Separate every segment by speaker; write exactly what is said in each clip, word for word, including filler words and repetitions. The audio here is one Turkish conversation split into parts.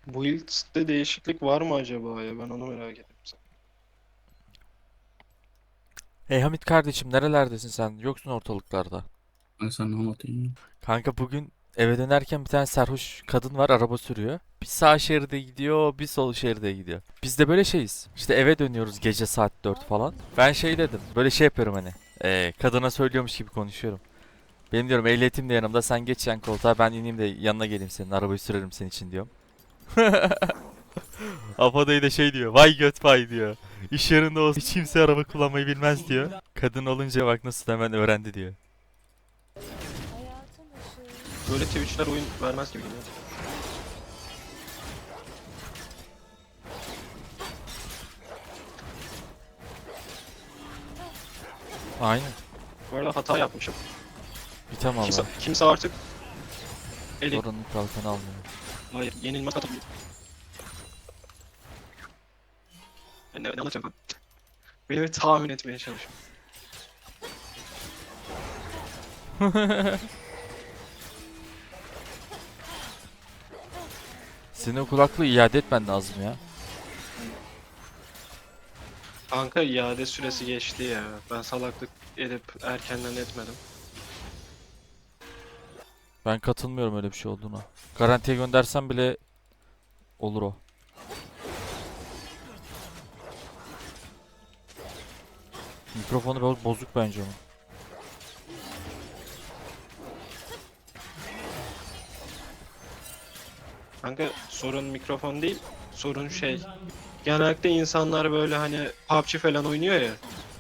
Speaker 1: Build'de değişiklik var mı acaba ya? Ben onu merak ettim.
Speaker 2: Hey Hamit kardeşim nerelerdesin sen? Yoksun ortalıklarda.
Speaker 3: Ben sana anlatayım.
Speaker 2: Kanka bugün eve dönerken bir tane sarhoş kadın var araba sürüyor. Bir sağ şeride gidiyor, bir sol şeride gidiyor. Biz de böyle şeyiz. İşte eve dönüyoruz gece saat dört falan. Ben şey dedim. Böyle şey yapıyorum hani. Ee, kadına söylüyormuş gibi konuşuyorum. Benim diyorum ehliyetim de yanımda. Sen geç yan koltuğa ben ineyim de yanına geleyim senin. Arabayı sürerim senin için diyorum. Afadayı da şey diyor. Vay göt vay diyor. İş yerinde olsa hiç kimse araba kullanmayı bilmez diyor. Kadın olunca bak nasıl hemen öğrendi diyor.
Speaker 1: Böyle Twitch'ler oyun vermez gibi geliyor.
Speaker 2: Aynen.
Speaker 1: Bu arada hata yapmışım.
Speaker 2: Bitem
Speaker 1: Kimse,
Speaker 2: valla.
Speaker 1: kimse artık eli...
Speaker 2: Oranın kalkanı almıyor.
Speaker 1: Hayır, yenilmez atamıyor. Ben ne, ne anlatacağım ben? Beni bir tahmin etmeye çalışıyorum.
Speaker 2: Senin o kulaklığı iade etmen lazım ya.
Speaker 1: Kanka iade süresi geçti ya. Ben salaklık edip erkenden etmedim.
Speaker 2: Ben katılmıyorum öyle bir şey olduğuna. Garantiye göndersem bile olur o. Mikrofonu biraz bozuk bence onun.
Speaker 1: Kanka sorun mikrofon değil, sorun şey. Genellikle insanlar böyle hani P U B G falan oynuyor ya.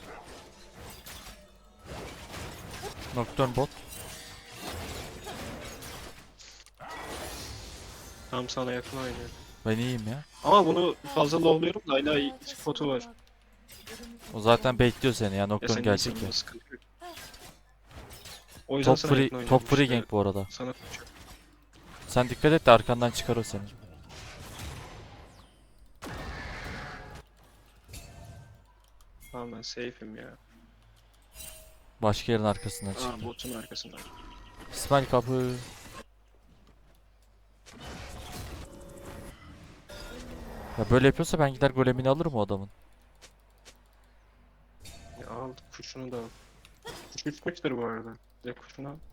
Speaker 2: Nocturne bot.
Speaker 1: Tam sana yakın oynuyor.
Speaker 2: Ben iyiyim ya.
Speaker 1: Ama bunu fazla lowluyorum da hala iyi spotu var.
Speaker 2: O zaten bekliyor seni ya.
Speaker 1: Ya
Speaker 2: Nocturne
Speaker 1: senin
Speaker 2: gelecek ya.
Speaker 1: insanında sıkıntı yok. O yüzden
Speaker 2: Top
Speaker 1: sana
Speaker 2: free,
Speaker 1: yakın oynuyorum
Speaker 2: top free
Speaker 1: işte.
Speaker 2: gank bu arada.
Speaker 1: Sana
Speaker 2: Sen dikkat et de arkandan çıkar o seni.
Speaker 1: tamam ben safe'im ya.
Speaker 2: Başka yerin arkasından
Speaker 1: Aa
Speaker 2: çıktı.
Speaker 1: botun arkasında.
Speaker 2: İsmail kapı. Ya böyle yapıyorsa ben gider golemini alırım o adamın.
Speaker 1: Ya al kuşunu da al. Kuş bitmiştir bu arada. Ya kuşunu al.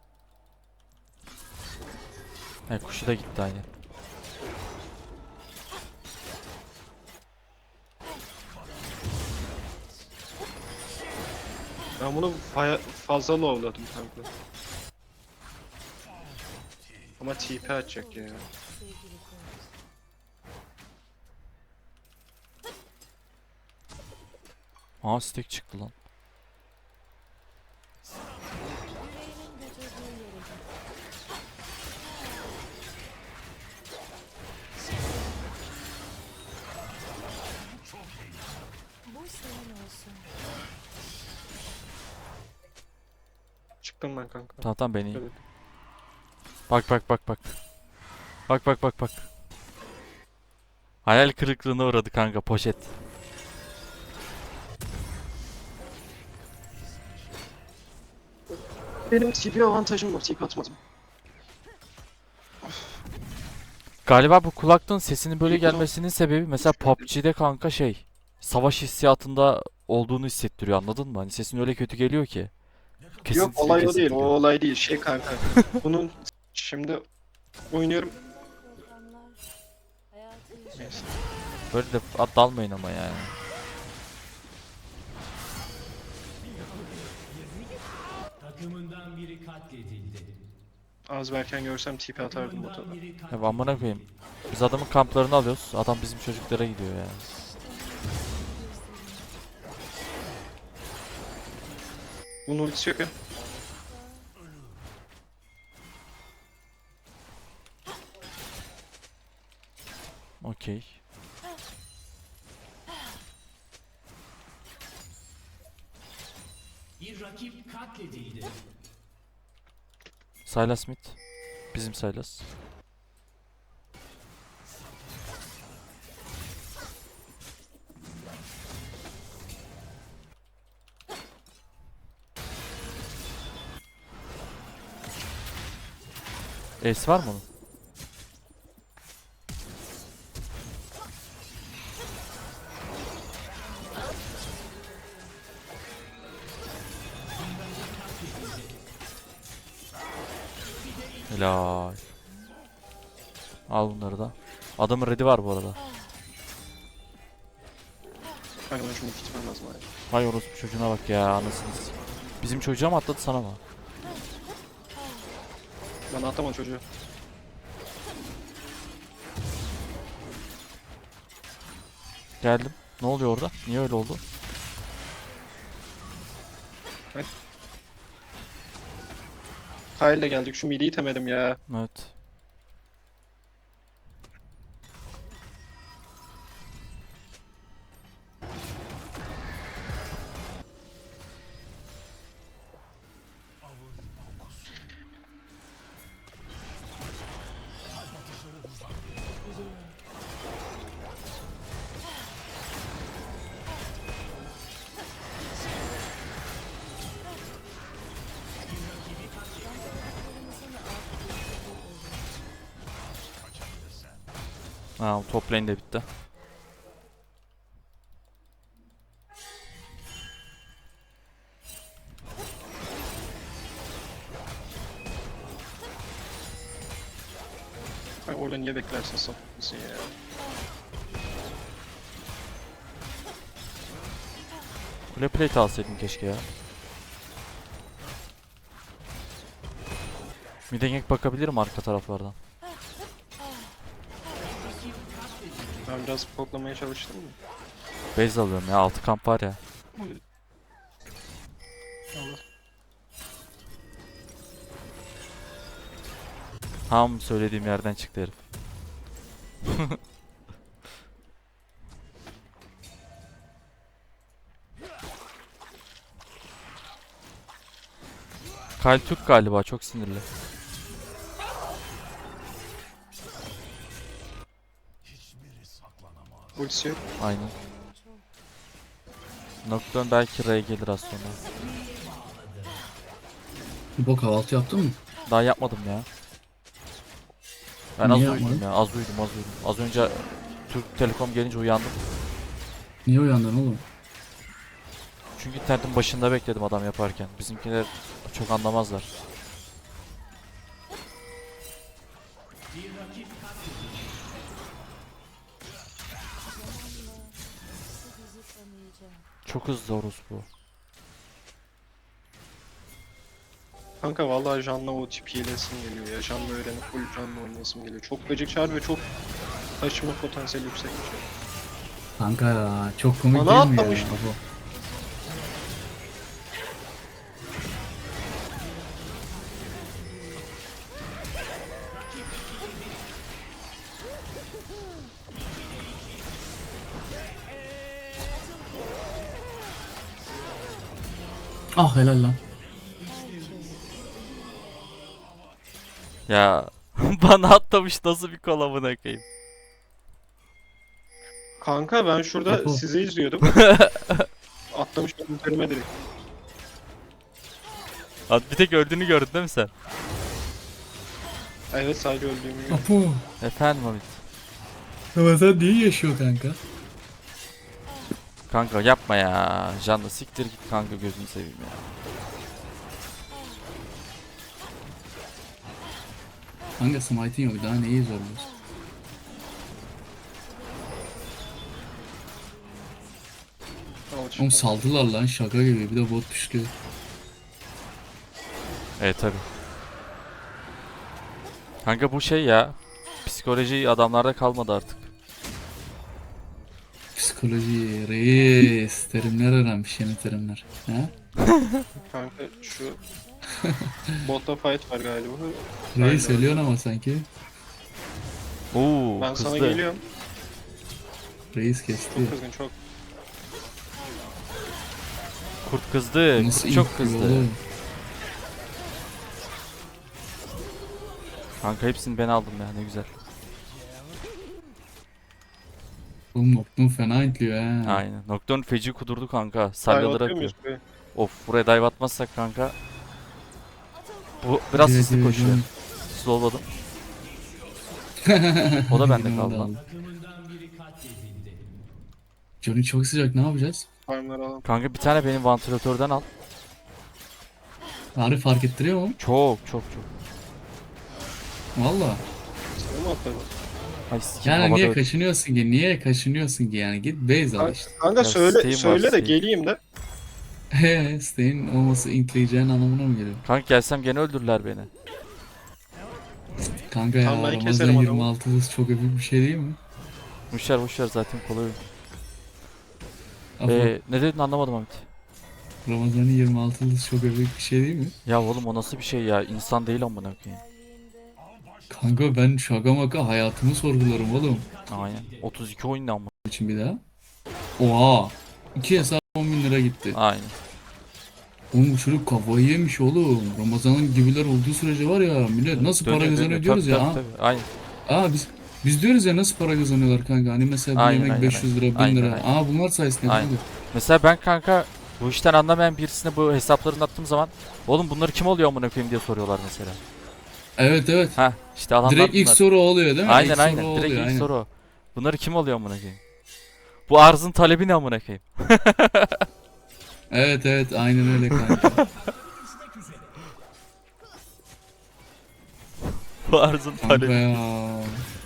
Speaker 2: He kuşu da gitti aynı.
Speaker 1: Ben bunu baya- fazla lowladım kanka. Ama T P atacak ya.
Speaker 2: Aa stack çıktı lan.
Speaker 4: Bu senin olsun.
Speaker 1: Çıktım ben kanka.
Speaker 2: Tamam tamam ben iyiyim.
Speaker 1: Evet.
Speaker 2: Bak bak bak bak. Bak bak bak bak. Hayal kırıklığına uğradı kanka poşet.
Speaker 1: Benim T P avantajım var. T P atmadım.
Speaker 2: Galiba bu kulaklığın sesinin böyle
Speaker 1: İlk o zaman
Speaker 2: gelmesinin sebebi mesela P U B G'de kanka şey savaş hissiyatında olduğunu hissettiriyor anladın mı? Hani sesin öyle kötü geliyor ki.
Speaker 1: yok
Speaker 2: Kesintili
Speaker 1: olay o değil. O
Speaker 2: kesintili.
Speaker 1: olay değil. Şey kanka. Bunun şimdi oynuyorum.
Speaker 4: Programlar hayatı yaşamak.
Speaker 1: Neyse.
Speaker 2: Böyle de at dalmayın ama yani.
Speaker 5: Takımından biri katledildi.
Speaker 1: Az verken görsem T P atardım bota da.
Speaker 5: Takımından biri
Speaker 2: Ya amına
Speaker 5: katledildi.
Speaker 2: koyayım. Biz adamın kamplarını alıyoruz. Adam bizim çocuklara gidiyor yani.
Speaker 1: Bunun ultisi yok ya.
Speaker 2: Okey.
Speaker 5: Bir rakip katledildi.
Speaker 2: Sylas Smith. Bizim Sylas. Ace var mı onun? Helal. Al bunları da. Adamın ready var bu arada.
Speaker 1: Kanka ben şunu gitmem lazım abi.
Speaker 2: Vay orospu çocuğuna bak ya anasını s- Bizim çocuğa mı atladı sana mı?
Speaker 1: Ben atlamam çocuğu.
Speaker 2: Geldim. Ne oluyor orada? Niye öyle oldu?
Speaker 1: Kyle'le geldik. Şu midi itemedim ya.
Speaker 2: Evet. Ha, top lane de bitti.
Speaker 1: Ay orada niye beklersin sapıksın ya.
Speaker 2: Kule plate alsaydın keşke ya. Mid'e gank bakabilirim arka taraflardan.
Speaker 1: Ben biraz poklamaya çalıştım mı?
Speaker 2: Base alıyorum ya, altı kamp var ya.
Speaker 1: Allah.
Speaker 2: Tam söylediğim yerden çıktı herif. Kyle Türk galiba, çok sinirli.
Speaker 1: Ultisi yok.
Speaker 2: Aynen. Nocturne belki R'ye gelir az sonra.
Speaker 3: Bu kahvaltı yaptın mı?
Speaker 2: Daha yapmadım ya. Ben az
Speaker 3: Niye
Speaker 2: uyudum
Speaker 3: yapmadın?
Speaker 2: ya, az uyudum, az uyudum. Az önce Türk Telekom gelince uyandım.
Speaker 3: Niye uyandın oğlum?
Speaker 2: Çünkü internetin başında bekledim adam yaparken. Bizimkiler çok anlamazlar.
Speaker 4: Bizi tanıyacak.
Speaker 2: Çok hızlı orospu.
Speaker 1: Kanka vallahi Jan'la o tip hilesim geliyor ya. Jan'la öğrenip full Jan'la oynayasım geliyor. Çok gıcık çağır ve çok taşıma potansiyeli yüksek bir şey.
Speaker 3: Kanka ya çok komik
Speaker 1: Bana
Speaker 3: değil mi ya?
Speaker 1: atlamıştı.
Speaker 3: Baba. Ah helal lan.
Speaker 2: Ya bana atlamış, nasıl bir kolabına koyayım.
Speaker 1: Kanka ben şurada
Speaker 3: Apo.
Speaker 1: sizi izliyordum. Atlamış benim üzerime direkt.
Speaker 2: Abi bir tek öldüğünü gördün değil mi sen?
Speaker 1: Evet sadece öldüğümü gördüm.
Speaker 3: Apo.
Speaker 2: Efendim Hamit.
Speaker 3: Ama sen niye yaşıyor kanka?
Speaker 2: Kanka yapma ya. Canlı siktir git kanka, gözünü seveyim ya.
Speaker 3: Kanka smite'in yok daha neyi zorluyorsun?
Speaker 1: Al
Speaker 3: Oğlum saldılar lan şaka gibi bir de bot düştü.
Speaker 2: Evet tabi. Kanka bu şey ya. Psikoloji adamlarda kalmadı artık.
Speaker 3: Psikoloji, reis, terimler öğrenmiş yeni terimler. He?
Speaker 1: Kanka şu botta fight var galiba.
Speaker 3: Reis
Speaker 1: Aynen.
Speaker 3: ölüyorsun ama sanki.
Speaker 2: Oo
Speaker 1: Ben
Speaker 2: kızdı.
Speaker 1: sana geliyorum.
Speaker 3: Reis kesti.
Speaker 1: Çok kızgın çok.
Speaker 2: Kurt kızdı.
Speaker 3: Nasıl
Speaker 2: Kurt çok
Speaker 3: ip
Speaker 2: kızdı.
Speaker 3: oğlum?
Speaker 2: Kanka hepsini ben aldım ya, ne güzel.
Speaker 3: Oğlum Nocturne fena intliyor he.
Speaker 2: Aynen. Nocturne feci kudurdu kanka.
Speaker 1: Dive
Speaker 2: Salyaları
Speaker 1: atıyor
Speaker 2: akıyor.
Speaker 1: muyuz buraya?
Speaker 2: Of, buraya dive atmazsak kanka. Bu biraz
Speaker 3: Evet,
Speaker 2: hızlı
Speaker 3: evet,
Speaker 2: koşuyor.
Speaker 3: evet.
Speaker 2: Slowladım. O da bende
Speaker 3: Yine
Speaker 2: kaldı
Speaker 3: o da
Speaker 2: lan.
Speaker 3: aldı.
Speaker 5: Takımından biri katledildi.
Speaker 3: Johnny çok sıcak ne yapacağız?
Speaker 1: Farmları alalım.
Speaker 2: Kanka bir tane benim vantilatörden al.
Speaker 3: Bari fark ettiriyor mu?
Speaker 2: Çok çok çok.
Speaker 3: Valla.
Speaker 1: Sana mı atladı?
Speaker 2: Ay sikim
Speaker 3: Yani
Speaker 2: havada
Speaker 3: niye
Speaker 2: öt-
Speaker 3: kaçınıyorsun ki? Niye kaçınıyorsun ki yani? Git base al işte.
Speaker 1: Kanka
Speaker 2: Ya
Speaker 1: söyle
Speaker 2: Steam var,
Speaker 1: söyle de
Speaker 2: Steam.
Speaker 1: geleyim de.
Speaker 3: Hehe Stein olması intleyeceğin anlamına mı geliyor?
Speaker 2: Kanka gelsem gene öldürürler beni.
Speaker 3: Kanka ya
Speaker 1: Tamam, ben
Speaker 3: Ramazan
Speaker 1: keserim adamı.
Speaker 3: yirmi altı hız çok öpük bir şey değil mi?
Speaker 2: Boşver boşver zaten kolay oyun.
Speaker 3: Apo,
Speaker 2: Ee, ne dedin anlamadım Hamit.
Speaker 3: Ramazan'ın yirmi altı hız çok öpük bir şey değil mi?
Speaker 2: Ya oğlum o nasıl bir şey ya? İnsan değil amına koyayım.
Speaker 4: Geldiğinde
Speaker 3: Kanka ben şaka maka hayatımı sorgularım oğlum.
Speaker 2: Aynen. otuz iki oyun ne amına.
Speaker 3: için bir daha. Oha. İki hesap on bin lira gitti.
Speaker 2: Aynen.
Speaker 3: Oğlum bu çocuk kafayı yemiş oğlum. Ramazan'ın gibiler olduğu sürece var ya millet nasıl para
Speaker 2: Dönüyor,
Speaker 3: kazanıyor
Speaker 2: dönüyor.
Speaker 3: diyoruz
Speaker 2: Tabii,
Speaker 3: ya.
Speaker 2: tabii,
Speaker 3: ha?
Speaker 2: tabii. Aynen.
Speaker 3: Aa biz biz diyoruz ya nasıl para kazanıyorlar kanka. Hani mesela bir
Speaker 2: Aynen,
Speaker 3: yemek
Speaker 2: aynen,
Speaker 3: beş yüz lira, bin
Speaker 2: aynen,
Speaker 3: lira.
Speaker 2: aynen.
Speaker 3: Aa bunlar sayesinde
Speaker 2: Aynen.
Speaker 3: kanka.
Speaker 2: Mesela ben kanka bu işten anlamayan birisine bu hesaplarını attığım zaman oğlum bunları kim oluyor amına koyayım diye soruyorlar mesela.
Speaker 3: Evet evet.
Speaker 2: Ha işte adamlar
Speaker 3: Direkt ilk
Speaker 2: bunlar.
Speaker 3: soru o oluyor değil mi?
Speaker 2: Aynen
Speaker 3: İlk soru
Speaker 2: aynen.
Speaker 3: o
Speaker 2: Direkt
Speaker 3: oluyor,
Speaker 2: ilk
Speaker 3: aynen.
Speaker 2: soru o. Bunları kim oluyor amına koyayım? Bu arzın talebi ne amına koyayım?
Speaker 3: Evet evet aynen öyle kanka.
Speaker 2: Bu arzın
Speaker 3: Kanka
Speaker 2: talebi.
Speaker 3: ya.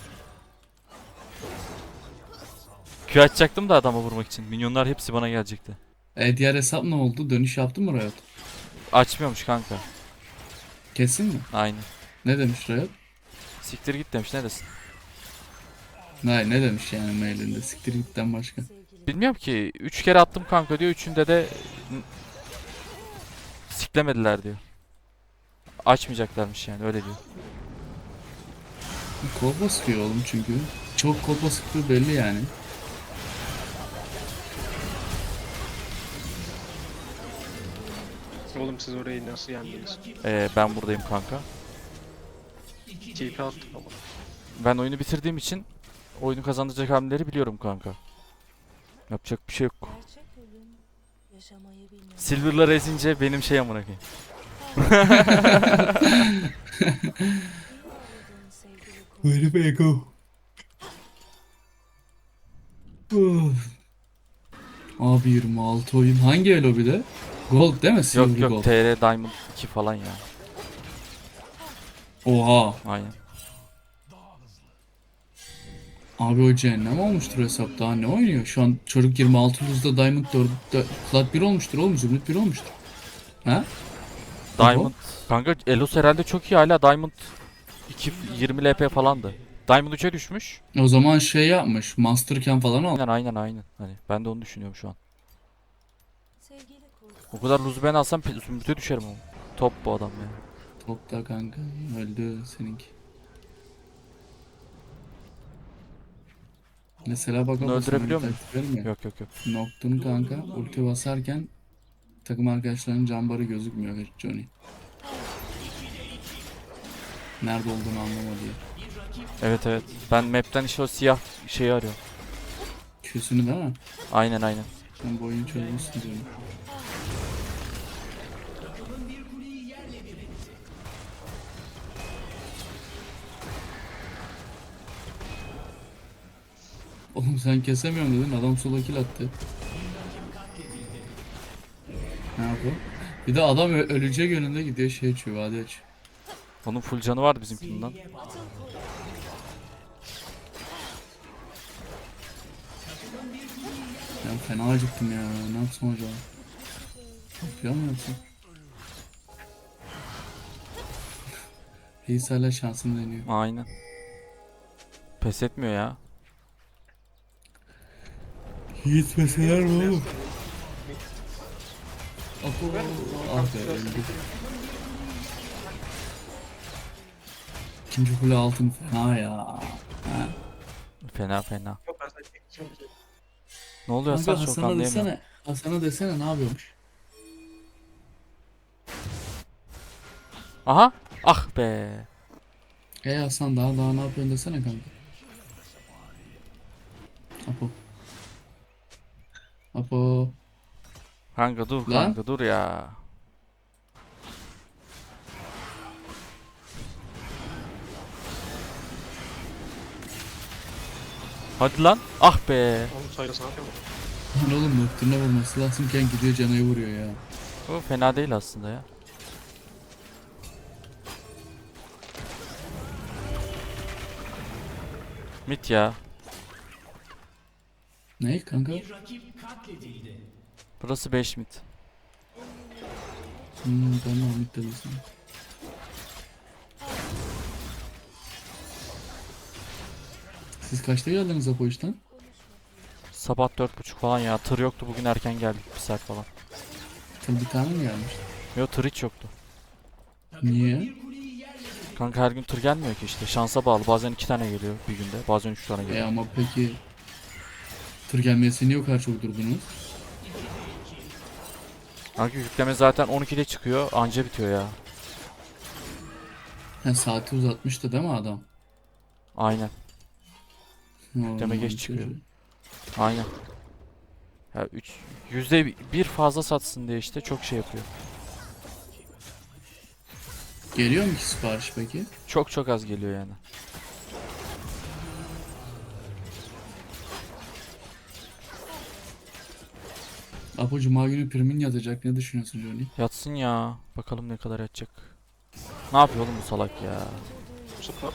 Speaker 2: Q açacaktım da adama vurmak için. Minyonlar hepsi bana gelecekti.
Speaker 3: E diğer hesap ne oldu? Dönüş yaptın mı Riot?
Speaker 2: Açmıyormuş kanka.
Speaker 3: Kesin mi?
Speaker 2: Aynen.
Speaker 3: Ne demiş Riot?
Speaker 2: Siktir git demiş ne desin?
Speaker 3: Ne, ne demiş yani mailinde? Siktir gitten başka.
Speaker 4: sevgili
Speaker 2: Bilmiyorum ki. Üç kere attım kanka diyor. Üçünde de n- siklemediler diyor. Açmayacaklarmış yani öyle diyor.
Speaker 3: Kolpa sıkıyor oğlum çünkü. Çok kolpa sıktığı belli yani.
Speaker 1: Oğlum siz orayı nasıl yendiniz?
Speaker 2: Ee, ben buradayım kanka.
Speaker 1: T P attım ama.
Speaker 2: Ben oyunu bitirdiğim için oyunu kazandıracak hamleleri biliyorum kanka. Yapacak bir şey yok.
Speaker 4: gerçek ölüm yaşamayı bilmez.
Speaker 2: Silver'lar ezince benim şey amına koyayım.
Speaker 4: Aradığın sevgili kul.
Speaker 3: Very big go. Abi yirmi altı oyun. Hangi elo bir de? Gold değil mi? Silver
Speaker 2: Yok yok
Speaker 3: Gold.
Speaker 2: T R Diamond iki falan ya.
Speaker 3: Oha.
Speaker 2: Aynen.
Speaker 3: Abi o cehennem olmuştur hesap. Daha ne oynuyor? Şu an çocuk yirmi altı yüzde Diamond dörtte Plat bir olmuştur oğlum. Zümrüt bir olmuştur. Ha?
Speaker 2: Diamond. Kanka Elos herhalde çok iyi hala Diamond iki yirmi L P falandı. Diamond üçe düşmüş.
Speaker 3: O zaman şey yapmış. Masterken falan al.
Speaker 2: Aynen aynen aynen. Hani ben de onu düşünüyorum şu an.
Speaker 4: Sevgili kul.
Speaker 2: O kadar loot ben alsam pe- zümrüte düşerim ama. Top bu adam ya.
Speaker 3: Topta kanka. Öldü seninki. Mesela bak
Speaker 2: Bunu
Speaker 3: o
Speaker 2: öldürebiliyor muyum?
Speaker 3: muyum?
Speaker 2: Yok yok yok.
Speaker 3: Nocturne kanka ulti basarken takım arkadaşlarının cambarı gözükmüyor Johnny. Nerede olduğunu anlamadı diye.
Speaker 2: Evet evet. Ben map'ten işte o siyah şeyi arıyorum.
Speaker 3: Küsünü değil mi?
Speaker 2: Aynen aynen.
Speaker 3: Sen bu oyunu çözmüşsün diyorum. Oğlum sen kesemiyorum dedin adam sola kill attı. Ne yapıyor? Bir de adam ö- ölecek yönünde gidiyor şey açıyor vade açıyor.
Speaker 2: Onun full canı vardı bizimkinin lan.
Speaker 3: Ben fena acıktım ya ne yapsam acaba? Yapıyor mu yoksa? Reis hala şansını deniyor.
Speaker 2: Aynen. Pes etmiyor ya.
Speaker 3: Gitmeseler mi oğlum? Apo, ah be öldü. İkinci kule altın fena ya. Ha.
Speaker 2: Fena fena.
Speaker 1: Yok ben sadece çekeceğim ki.
Speaker 2: Ne oluyor
Speaker 3: Kanka
Speaker 2: Hasan çok
Speaker 3: Hasan'a
Speaker 2: anlayamıyorum.
Speaker 3: desene. Hasan'a desene ne yapıyormuş?
Speaker 2: Aha. Ah be.
Speaker 3: Hey Hasan daha daha ne yapıyorsun desene kanka. Apo. Apo.
Speaker 2: Kanka dur
Speaker 3: Lan.
Speaker 2: kanka dur ya. Hadi lan. Ah be.
Speaker 1: Oğlum Cyrus ne yapıyor?
Speaker 3: Lan oğlum nokturuna vurması lazımken gidiyor canayı vuruyor ya.
Speaker 2: Bu fena değil aslında ya. Mit ya.
Speaker 3: Ne kanka?
Speaker 5: Bir rakip katledildi.
Speaker 2: Burası beş mit.
Speaker 3: Hmm, tamam Ahmet dedi sana. Siz kaçta geldiniz Apo işten?
Speaker 2: Sabah dört buçuk falan ya. Tır yoktu bugün, erken geldik bir saat falan.
Speaker 3: Tabii bir tane mi gelmiş?
Speaker 2: Yo, tır hiç yoktu.
Speaker 3: Niye?
Speaker 2: Kanka her gün tır gelmiyor ki işte. Şansa bağlı. Bazen iki tane geliyor bir günde. Bazen üç tane
Speaker 3: E
Speaker 2: geliyor.
Speaker 3: ama peki tır gelmesini niye o kadar çok durdunuz?
Speaker 2: Kanka yükleme zaten on ikide çıkıyor. Anca bitiyor ya.
Speaker 3: Ha, saati uzatmıştı değil mi adam?
Speaker 2: Aynen.
Speaker 3: Normal
Speaker 2: geç
Speaker 3: bir
Speaker 2: çıkıyor.
Speaker 3: şey.
Speaker 2: Aynen. Ya üç yüzde bir fazla satsın diye işte çok şey yapıyor.
Speaker 3: Geliyor mu ki sipariş peki?
Speaker 2: Çok çok az geliyor yani.
Speaker 3: Apo cuma günü primin yatacak. Ne düşünüyorsun Johnny?
Speaker 2: Yatsın ya. Bakalım ne kadar yatacak. Ne yapıyor oğlum bu salak ya?
Speaker 1: Süper.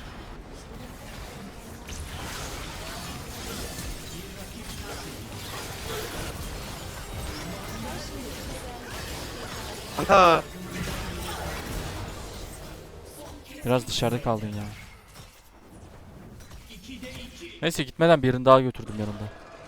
Speaker 1: Kanka.
Speaker 2: Biraz dışarıda kaldın ya. Neyse gitmeden birini daha götürdüm yanımda.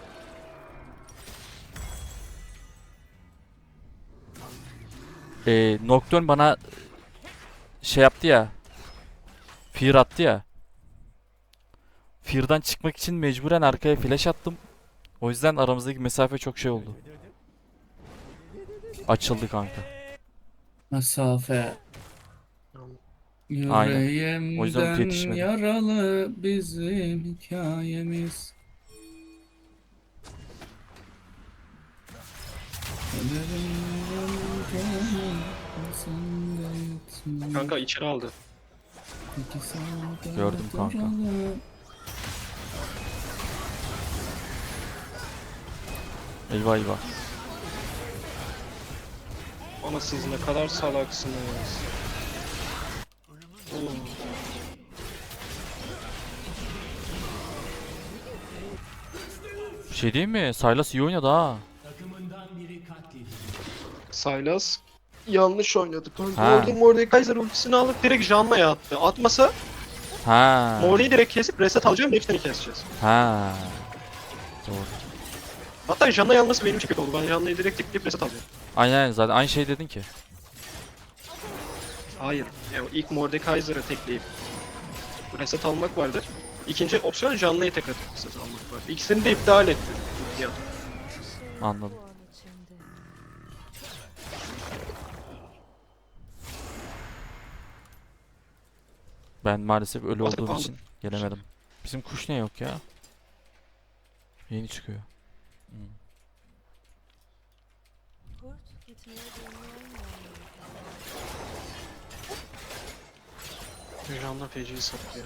Speaker 2: Ee, Nocturne bana şey yaptı ya. Fear attı ya. Fear'dan çıkmak için mecburen arkaya flash attım. O yüzden aramızdaki mesafe çok şey oldu. Açıldı kanka.
Speaker 3: Mesafe.
Speaker 2: Aynen. O yüzden
Speaker 3: Yüreğimden
Speaker 2: yetişmedi.
Speaker 3: yaralı bizim hikayemiz.
Speaker 1: Kanka içeri aldı.
Speaker 2: Gördüm kanka. Eyvah eyvah.
Speaker 1: Ama siz ne kadar salaksınız. Oğlum.
Speaker 2: Bir şey değil mi? Sylas iyi oynadı ha.
Speaker 5: Takımından biri katledildi.
Speaker 1: Sylas yanlış oynadı kanka.
Speaker 2: Ha.
Speaker 1: Orada Mordekaiser ultisini alıp direkt Janna'ya attı. Atmasa
Speaker 2: Ha.
Speaker 1: Morde'yi direkt kesip reset alacağım, hepsini keseceğiz.
Speaker 2: Ha. Doğru.
Speaker 1: Hatta Janna'yı alması benim için kötü oldu. Ben Janna'yı direkt tıklayıp reset alacağım.
Speaker 2: Aynen zaten aynı şey dedin ki.
Speaker 1: Hayır. Yani ilk Mordekaiser'ı tekleyip reset almak vardır. İkinci opsiyon Janna'yı tekrar reset almak var. İkisini de iptal etti. Ya.
Speaker 2: Anladım.
Speaker 4: Bu an içinde.
Speaker 2: Ben maalesef ölü
Speaker 1: Atıp
Speaker 2: olduğum
Speaker 1: aldım.
Speaker 2: için gelemedim. Bizim kuş ne yok ya? Yeni çıkıyor. Hmm.
Speaker 4: Kurt gitmeye dönüyor mu?
Speaker 1: Janna feci'yi sattı ya.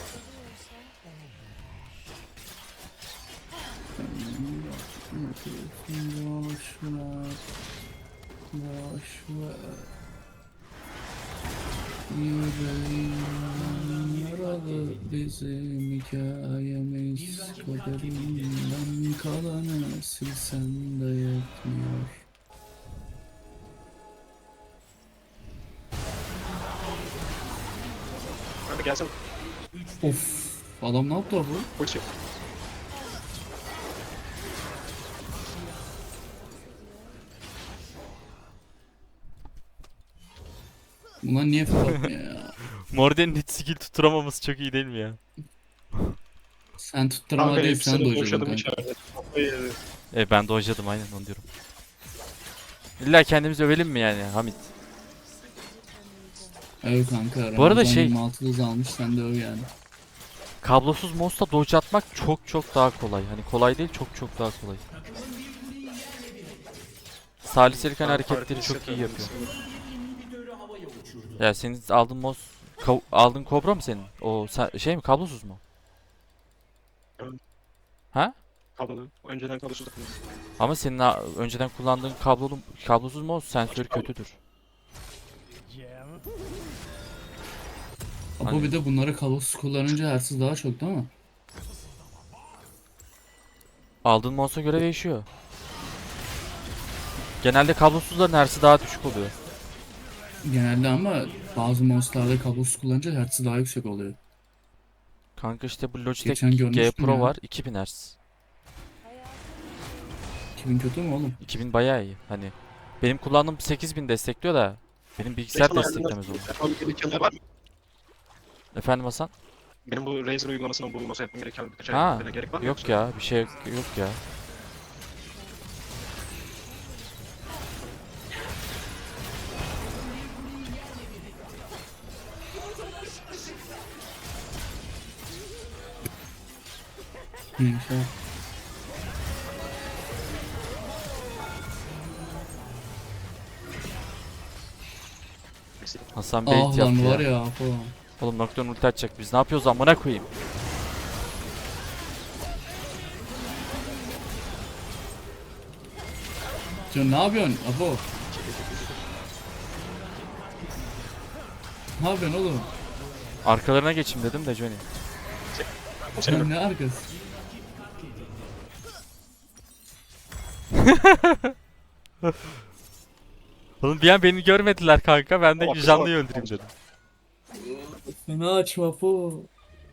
Speaker 3: Boş ver. Boş ver. Yüreğimden yaralı bizim hikayemiz. Kaderinden kalanı silsen de yetmiyor.
Speaker 1: Hadi gelsin.
Speaker 3: Of. Adam ne yaptı bu?
Speaker 1: Koçu.
Speaker 3: Bunlar niye fırlatmıyor ya?
Speaker 2: Morden'in hiç skill tutturamaması çok iyi değil mi ya?
Speaker 3: Sen tutturama değil sen
Speaker 1: hepsini
Speaker 3: dojadın
Speaker 1: boşadım
Speaker 3: kanka.
Speaker 1: içeride. Kafayı yedi.
Speaker 2: E ben dojladım aynen onu diyorum. İlla kendimizi övelim mi yani Hamit?
Speaker 3: Evet kanka.
Speaker 2: Bu arada
Speaker 3: Ramazan
Speaker 2: şey-
Speaker 3: yirmi altı hız almış sen de öv yani.
Speaker 2: Kablosuz mouse'la dodge atmak çok çok daha kolay. Hani kolay değil, çok çok daha kolay. Saliselik hani
Speaker 1: Ben
Speaker 2: hareketleri
Speaker 1: farklı
Speaker 2: çok iyi
Speaker 1: hissediyorum
Speaker 2: yapıyor.
Speaker 5: İnhibitörü havaya uçurdu.
Speaker 2: Ya senin aldığın mouse Ka- aldığın Kobra mı senin? O sa- şey mi, kablosuz mu?
Speaker 1: Evet.
Speaker 2: Ha?
Speaker 1: Kablolu. Önceden kablosuz takılıyor.
Speaker 2: Ama senin a- önceden kullandığın kablolu kablosuz mouse sensörü kötüdür.
Speaker 3: Ama
Speaker 2: Hani-
Speaker 3: bir de bunları kablosuz kullanınca hersiz daha çok değil mi?
Speaker 2: Aldığın monsa göre değişiyor. Genelde kablosuzların hersi daha düşük oluyor.
Speaker 3: Genelde ama bazı monsterlarda kablosuz kullanınca hertz'i daha yüksek oluyor.
Speaker 2: Kanka işte bu Logitech
Speaker 3: Geçen
Speaker 2: G
Speaker 3: görmüştüm
Speaker 2: Pro
Speaker 3: ya.
Speaker 2: var iki bin hertz.
Speaker 3: iki bin kötü mü oğlum?
Speaker 2: iki bin bayağı iyi. Hani benim kullandığım sekiz bin destekliyor da benim bilgisayar
Speaker 1: Razer
Speaker 2: desteklemez onu.
Speaker 1: Yapmam gerekenler var mı?
Speaker 2: Efendim Hasan?
Speaker 1: Benim bu Razer uygulamasından bulunması yapmam gereken birkaç
Speaker 2: Ha,
Speaker 1: ayarlamaya gerek var mı?
Speaker 2: yok
Speaker 1: yoksa?
Speaker 2: ya bir şey yok, yok ya.
Speaker 3: Neyse.
Speaker 2: Hasan bait
Speaker 3: Ah
Speaker 2: yaptı
Speaker 3: lan var
Speaker 2: ya.
Speaker 3: ya falan.
Speaker 2: Oğlum Nocturne ulti atacak biz ne yapıyoruz amına koyayım.
Speaker 3: Can ne yapıyorsun Apo? Ne yapıyorsun oğlum?
Speaker 2: Arkalarına geçeyim dedim de Johnny.
Speaker 3: Sen ne arkası?
Speaker 2: Oğlum bir an beni görmediler kanka ben de
Speaker 1: Bak,
Speaker 2: Janlı'yı
Speaker 1: bak.
Speaker 2: öldüreyim dedim.
Speaker 3: Fena açma Apo.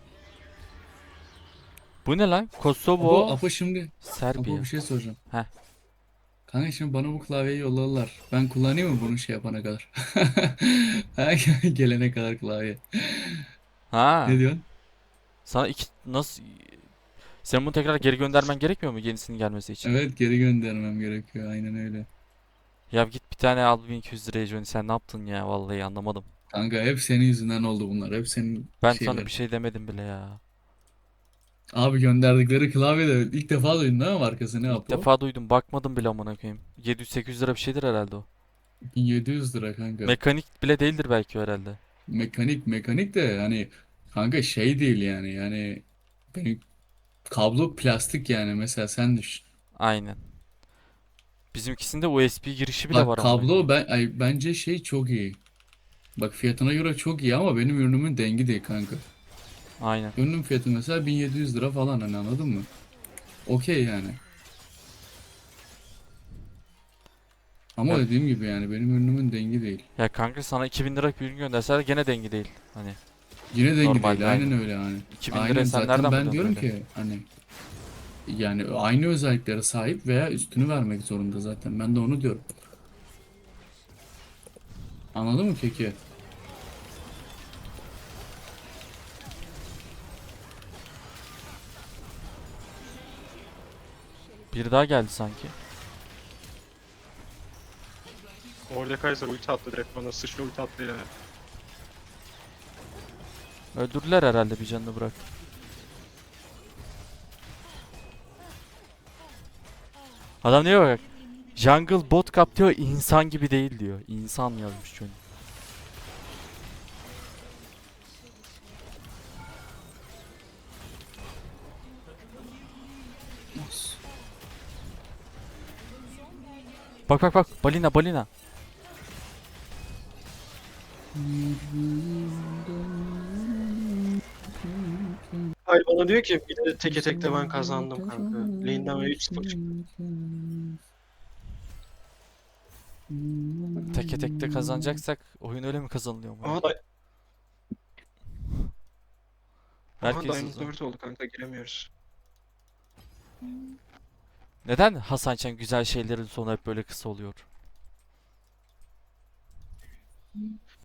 Speaker 2: Bu ne lan?
Speaker 3: Apo,
Speaker 2: Kosovo,
Speaker 3: Apo şimdi. Apo
Speaker 2: Serbiya.
Speaker 3: bir şey soracağım.
Speaker 2: Heh.
Speaker 3: Kanka şimdi bana bu klavyeyi yolladılar. Ben kullanayım mı bunu şey yapana kadar? Ha, gelene kadar klavye.
Speaker 2: Ha.
Speaker 3: Ne diyorsun?
Speaker 2: Sana iki nasıl sen bunu tekrar geri göndermen gerekmiyor mu yenisinin gelmesi için?
Speaker 3: Evet geri göndermem gerekiyor. Aynen öyle.
Speaker 2: Ya git bir tane al bin iki yüz liraya Johnny sen ne yaptın ya vallahi anlamadım.
Speaker 3: Kanka hep senin yüzünden oldu bunlar. Hep senin
Speaker 2: Ben
Speaker 3: şeyler.
Speaker 2: sana bir şey demedim bile ya.
Speaker 3: Abi gönderdikleri klavye de ilk defa duydun değil mi markası ne
Speaker 2: İlk
Speaker 3: Apo?
Speaker 2: defa duydum bakmadım bile amına koyayım. yedi yüz sekiz yüz lira bir şeydir herhalde o.
Speaker 3: bin yedi yüz lira kanka.
Speaker 2: Mekanik bile değildir belki o herhalde.
Speaker 3: Mekanik mekanik de hani kanka şey değil yani yani benim kablo plastik yani mesela sen düşün.
Speaker 2: Aynen. Bizimkisinde U S B girişi bile
Speaker 3: Bak
Speaker 2: var amına
Speaker 3: kablo
Speaker 2: koyayım.
Speaker 3: ben ay, bence şey çok iyi. Bak fiyatına göre çok iyi ama benim ürünümün dengi değil kanka.
Speaker 2: Aynen.
Speaker 3: Ürünün fiyatı mesela bin yedi yüz lira falan hani anladın mı? Okey yani. Ama
Speaker 2: Ya,
Speaker 3: dediğim gibi yani benim ürünümün dengi değil.
Speaker 2: ya kanka sana iki bin lira bir ürün gönderseler gene dengi değil. Hani
Speaker 3: Yine dengi
Speaker 2: Normalde
Speaker 3: değil. Aynen
Speaker 2: aynı.
Speaker 3: öyle yani.
Speaker 2: iki bin
Speaker 3: Aynen
Speaker 2: liraya sen
Speaker 3: zaten
Speaker 2: nereden
Speaker 3: ben
Speaker 2: buluyorsun
Speaker 3: diyorum
Speaker 2: öyle?
Speaker 3: ki hani yani aynı özelliklere sahip veya üstünü vermek zorunda zaten. Ben de onu diyorum. Anladın mı keki?
Speaker 2: Bir daha geldi sanki.
Speaker 1: Mordekaiser ulti attı direkt bana. Sıçra ulti attı ya.
Speaker 2: Öldürdüler herhalde bir canını bırak. Adam diyor bak. Jungle bot cap diyor insan gibi değil diyor. İnsan yazmış Johnny. Bak bak bak balina balina.
Speaker 1: Hayır bana diyor ki bir de teke tekte ben kazandım kanka. Lane'den ve üç sıfır çıktı.
Speaker 2: Teke tekte kazanacaksak oyun öyle mi kazanılıyor mu?
Speaker 1: Aha da Aha
Speaker 2: Herkes
Speaker 1: Diamond
Speaker 2: hızlı.
Speaker 1: dört oldu kanka giremiyoruz.
Speaker 2: Neden Hasan Çen güzel şeylerin sonu hep böyle kısa oluyor?